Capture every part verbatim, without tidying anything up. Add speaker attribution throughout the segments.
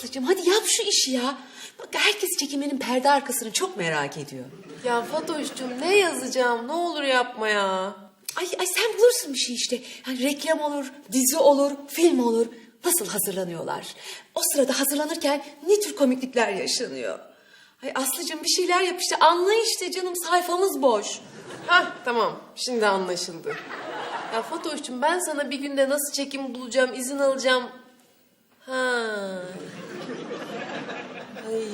Speaker 1: Aslıcığım hadi yap şu işi ya. Bak herkes çekimlerin perde arkasını çok merak ediyor.
Speaker 2: Ya Fatoş'cum ne yazacağım? Ne olur yapma ya.
Speaker 1: Ay, ay sen bulursun bir şey işte. Yani reklam olur, dizi olur, film olur. Nasıl hazırlanıyorlar? O sırada hazırlanırken ne tür komiklikler yaşanıyor? Ay Aslıcığım bir şeyler yap işte. Anla işte canım, sayfamız boş.
Speaker 2: Hah tamam şimdi anlaşıldı. Ya Fatoş'cum ben sana bir günde nasıl çekim bulacağım, izin alacağım. Ha. Ay.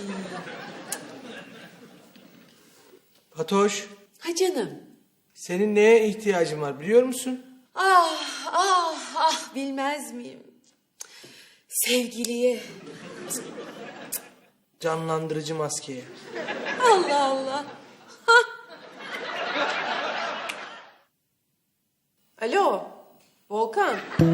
Speaker 3: Fatoş,
Speaker 1: Ha canım.
Speaker 3: senin neye ihtiyacın var biliyor musun?
Speaker 1: Ah ah ah bilmez miyim? Sevgiliye.
Speaker 3: Canlandırıcı maskeye.
Speaker 1: Allah Allah.
Speaker 2: Alo Volkan.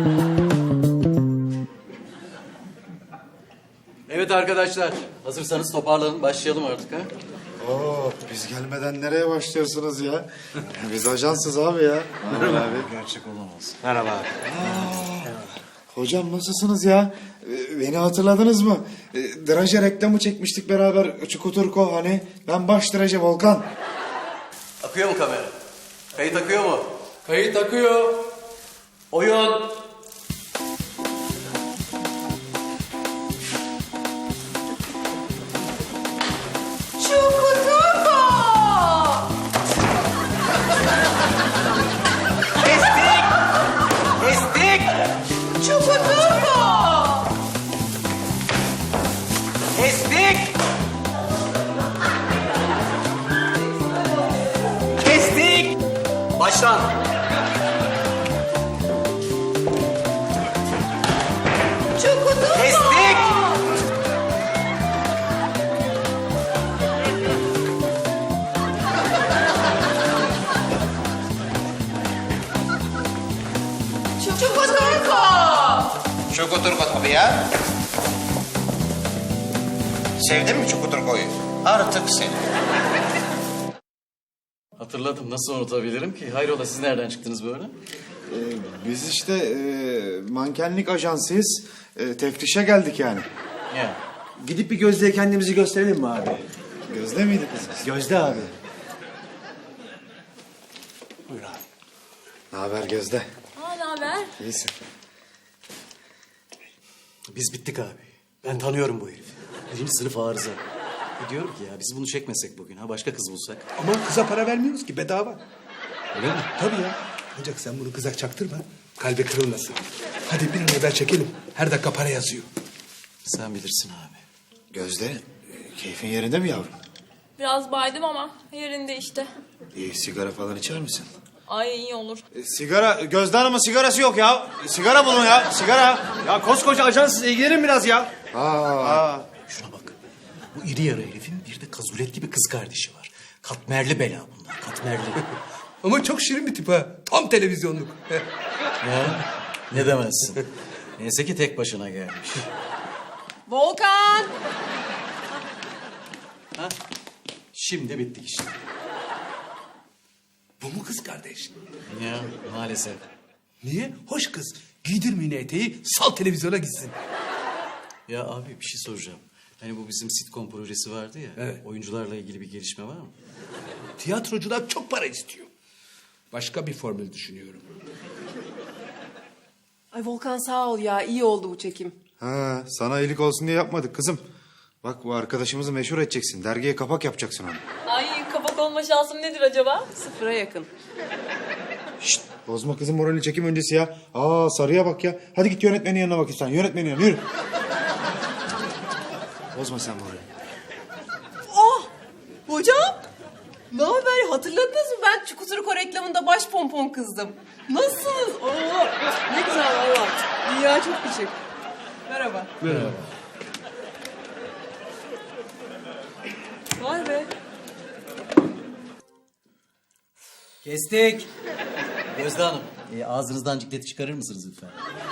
Speaker 4: Evet arkadaşlar, hazırsanız toparlanın, başlayalım artık ha.
Speaker 5: Oo, biz gelmeden nereye başlıyorsunuz ya? Biz ajansız abi ya. Merhaba abi.
Speaker 4: Gerçek olamaz.
Speaker 3: Merhaba abi.
Speaker 5: Hocam nasılsınız ya? Ee, Beni hatırladınız mı? Ee, Draje reklamı çekmiştik beraber. Çukuturko hani. Ben baş Draje Volkan.
Speaker 4: Akıyor mu kamera? Kayıt akıyor mu?
Speaker 3: Kayıt akıyor.
Speaker 4: Oyun. Kestik. Kestik. Kestik. Kestik. Baştan. Kestik.
Speaker 6: Çukuturko tabii ya. Sevdin mi Çukuturko'yu? Artık seni.
Speaker 4: Hatırladım, nasıl unutabilirim ki? Hayrola, siz nereden çıktınız böyle?
Speaker 5: Ee, biz işte e, mankenlik ajansıyız. E, teftişe geldik yani.
Speaker 4: Ya.
Speaker 3: Gidip bir Gözde'ye kendimizi gösterelim mi abi?
Speaker 5: Gözde miydi kızımız?
Speaker 3: Gözde abi. Buyur abi.
Speaker 5: Ne haber Gözde?
Speaker 7: Aa, ne haber?
Speaker 5: İyisin.
Speaker 8: Biz bittik abi. Ben tanıyorum bu herifi. Birinci sınıf arıza. E diyorum ki ya biz bunu çekmesek bugün ha, başka kız bulsak.
Speaker 9: Ama kıza para vermiyoruz ki, bedava.
Speaker 8: Öyle mi?
Speaker 9: Tabii ya. Ancak sen bunu kıza çaktırma. Kalbi kırılmasın. Hadi bir an evvel çekelim. Her dakika para yazıyor.
Speaker 8: Sen bilirsin abi.
Speaker 5: Gözde, e, keyfin yerinde mi yavrum?
Speaker 7: Biraz baydım ama yerinde işte.
Speaker 5: İyi, sigara falan içer misin?
Speaker 7: Ay iyi olur.
Speaker 5: E, sigara, Gözde Hanım'ın sigarası yok ya. E, sigara bulun ya, sigara.
Speaker 3: Ya koskoca ajansız ilgilenin biraz ya.
Speaker 5: Aa.
Speaker 8: Şuna bak. Bu iri yarı herifin bir de kazuletli bir kız kardeşi var. Katmerli bela bunlar, katmerli.
Speaker 9: Ama çok şirin bir tip ha. Tam televizyonluk.
Speaker 8: Ya ne demezsin. Neyse ki tek başına gelmiş.
Speaker 2: Volkan.
Speaker 8: Ha? Şimdi bittik işte.
Speaker 9: Bu mu kız kardeş?
Speaker 8: Ya maalesef.
Speaker 9: Niye? Hoş kız. Giydirmeyin eteği, sal televizyona gitsin.
Speaker 8: Ya abi bir şey soracağım. Hani bu bizim sitcom projesi vardı ya.
Speaker 9: Evet.
Speaker 8: Oyuncularla ilgili bir gelişme var mı?
Speaker 9: Tiyatrocular çok para istiyor. Başka bir formül düşünüyorum.
Speaker 2: Ay Volkan sağ ol ya iyi oldu bu çekim.
Speaker 5: Ha, sana iyilik olsun diye yapmadık kızım. Bak bu arkadaşımızı meşhur edeceksin. Dergiye kapak yapacaksın onu.
Speaker 7: Ay kapak olma şansım nedir acaba?
Speaker 2: Sıfıra yakın.
Speaker 5: Şşt, bozma kızın moralini çekim öncesi ya. Aa sarıya bak ya. Hadi git yönetmenin yanına bak sen. Yönetmenin yanına yürü. Bozma sen moralini.
Speaker 2: Oh! Hocam! Ne haber? Hatırladınız mı? Ben Çukuturko reklamında baş pompon kızdım. Nasılsınız? Oo, ne güzel valla. Dünya çok küçük. Merhaba.
Speaker 3: Merhaba.
Speaker 2: Vay be.
Speaker 8: Kestik. Gözde Hanım, e, ağzınızdan cikleti çıkarır mısınız lütfen?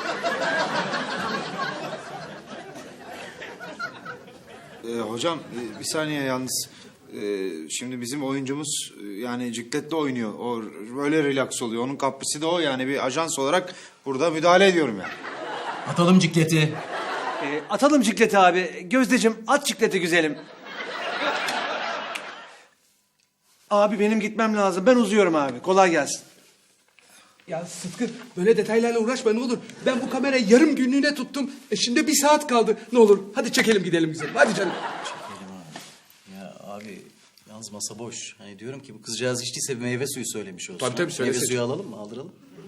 Speaker 5: Ee, hocam e, bir saniye yalnız. Ee, şimdi bizim oyuncumuz e, yani cikletle oynuyor. O böyle relax oluyor. Onun kaprisi de o yani bir ajans olarak burada müdahale ediyorum yani.
Speaker 8: Atalım cikleti.
Speaker 3: Ee, atalım cikleti abi. Gözdeciğim at cikleti güzelim. Abi benim gitmem lazım. Ben uzuyorum abi. Kolay gelsin.
Speaker 9: Ya Sıtkı böyle detaylarla uğraşma ne olur. Ben bu kamerayı yarım günlüğüne tuttum. E şimdi bir saat kaldı. Ne olur hadi çekelim gidelim güzelim. Hadi canım.
Speaker 4: Çekelim abi. Ya abi yalnız masa boş. Hani diyorum ki bu kızcağız içtiyse bir meyve suyu söylemiş olsun.
Speaker 9: Tabii, tabii, söylesin.
Speaker 4: Meyve suyu alalım mı? Aldıralım.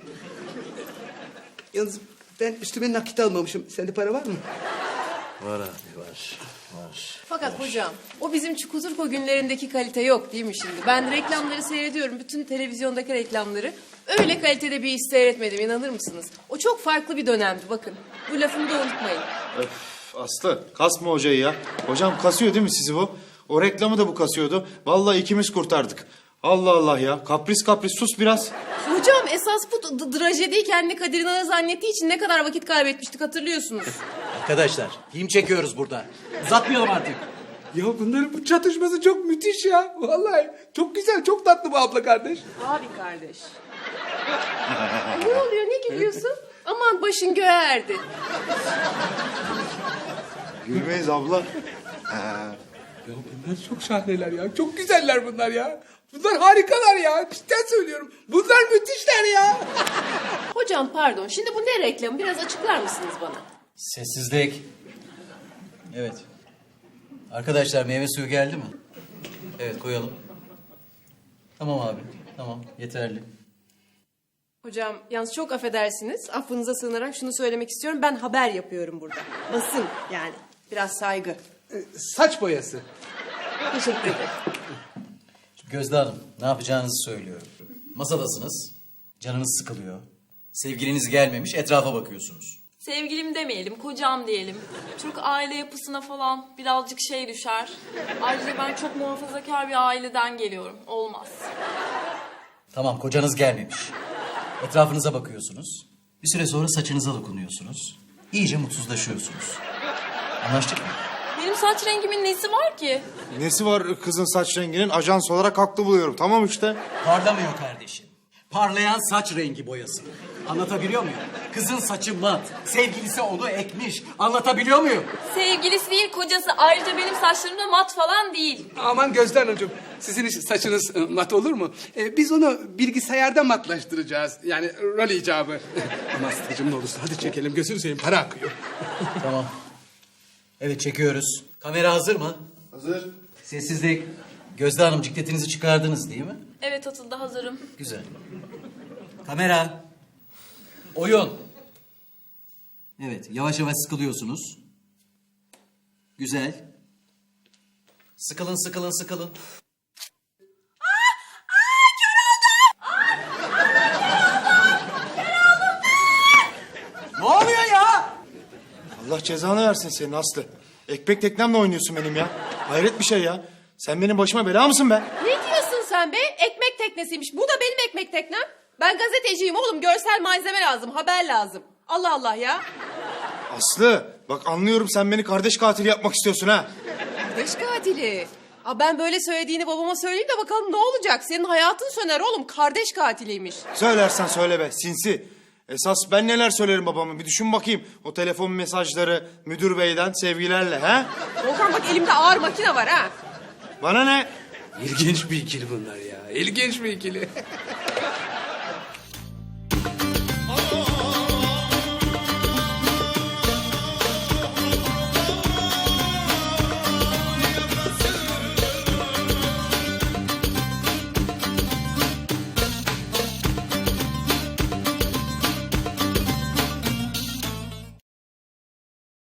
Speaker 9: Yalnız ben üstüme nakit almamışım. Sende para var mı?
Speaker 4: Var abi var. Var.
Speaker 2: Fakat hocam o bizim Çukuturko günlerindeki kalite yok değil mi şimdi? Ben reklamları seyrediyorum. Bütün televizyondaki reklamları. Öyle kalitede bir iş seyretmedim inanır mısınız? O çok farklı bir dönemdi bakın. Bu lafımı da unutmayın.
Speaker 5: Öf, Aslı kasma hocayı ya. Hocam kasıyor değil mi sizi bu? O reklamı da bu kasıyordu. Vallahi ikimiz kurtardık. Allah Allah ya. Kapris kapris sus biraz.
Speaker 2: Hocam esas bu d- trajediyi kendi Kadir İnanır zannettiği için ne kadar vakit kaybetmiştik hatırlıyorsunuz.
Speaker 4: Arkadaşlar film çekiyoruz burada. Uzatmayalım artık.
Speaker 9: Ya bunların bu çatışması çok müthiş ya. Vallahi çok güzel, çok tatlı bu abla kardeş.
Speaker 2: Abi kardeş. ne oluyor ne gülüyorsun? Aman başın göğe erdi.
Speaker 5: Gülmeyiz abla.
Speaker 9: Ya bunlar çok şahaneler ya. Çok güzeller bunlar ya. Bunlar harikalar ya. Cidden söylüyorum. Bunlar müthişler ya.
Speaker 2: Hocam pardon şimdi bu ne reklamı biraz açıklar mısınız bana?
Speaker 4: Sessizlik. Evet. Arkadaşlar meyve suyu geldi mi? Evet koyalım. Tamam abi. Tamam yeterli.
Speaker 2: Hocam yalnız çok affedersiniz. Affınıza sığınarak şunu söylemek istiyorum. Ben haber yapıyorum burada. Basın yani. Biraz saygı.
Speaker 9: Ee, saç boyası.
Speaker 2: Teşekkür ederim.
Speaker 4: Gözde Hanım ne yapacağınızı söylüyorum. Masadasınız. Canınız sıkılıyor. Sevgiliniz gelmemiş etrafa bakıyorsunuz.
Speaker 7: Sevgilim demeyelim, kocam diyelim. Türk aile yapısına falan birazcık şey düşer. Ayrıca ben çok muhafazakar bir aileden geliyorum. Olmaz.
Speaker 4: Tamam kocanız gelmemiş. Etrafınıza bakıyorsunuz. Bir süre sonra saçınıza dokunuyorsunuz. İyice mutsuzlaşıyorsunuz. Anlaştık mı?
Speaker 7: Benim saç rengimin nesi var ki?
Speaker 5: Nesi var kızın saç renginin? Ajans olarak haklı buluyorum. Tamam işte.
Speaker 4: Parlamıyor kardeşim. Parlayan saç rengi boyası. Anlatabiliyor muyum? Kızın saçı mat. Sevgilisi onu ekmiş. Anlatabiliyor muyum?
Speaker 7: Sevgilisi değil, kocası. Ayrıca benim saçlarım da mat falan değil.
Speaker 9: Aman Gözde Hanımcığım. Sizin iş- saçınız e, mat olur mu? Ee, biz onu bilgisayarda matlaştıracağız. Yani rol icabı. Ama Aslı'cığım ne olursa hadi çekelim. Gözünü seveyim para akıyor.
Speaker 4: Tamam. Evet çekiyoruz. Kamera hazır mı?
Speaker 5: Hazır.
Speaker 4: Sessizlik. Gözde Hanım cikletinizi çıkardınız değil mi?
Speaker 7: Evet Atıl'da hazırım.
Speaker 4: Güzel. Kamera. Oyun. Evet yavaş yavaş sıkılıyorsunuz. Güzel. Sıkılın sıkılın sıkılın. Ne oluyor ya?
Speaker 5: Allah cezanı versin senin Aslı. Ekmek teknemle oynuyorsun benim ya. Hayret bir şey ya. Sen benim başıma bela mısın be?
Speaker 2: Ne diyorsun sen be? Ekmek teknesiymiş. Bu da benim ekmek teknem. Ben gazeteciyim oğlum. Görsel malzeme lazım. Haber lazım. Allah Allah ya.
Speaker 5: Aslı bak anlıyorum sen beni kardeş katili yapmak istiyorsun ha.
Speaker 2: Kardeş katili. Aa, ben böyle söylediğini babama söyleyeyim de bakalım ne olacak? Senin hayatın söner oğlum. Kardeş katiliymiş.
Speaker 5: Söylersen söyle be sinsi. Esas ben neler söylerim babama bir düşün bakayım. O telefon mesajları müdür beyden sevgilerle ha?
Speaker 2: Volkan bak elimde ağır makine var ha.
Speaker 5: Bana ne?
Speaker 9: İlginç bir ikili bunlar ya. İlginç bir ikili.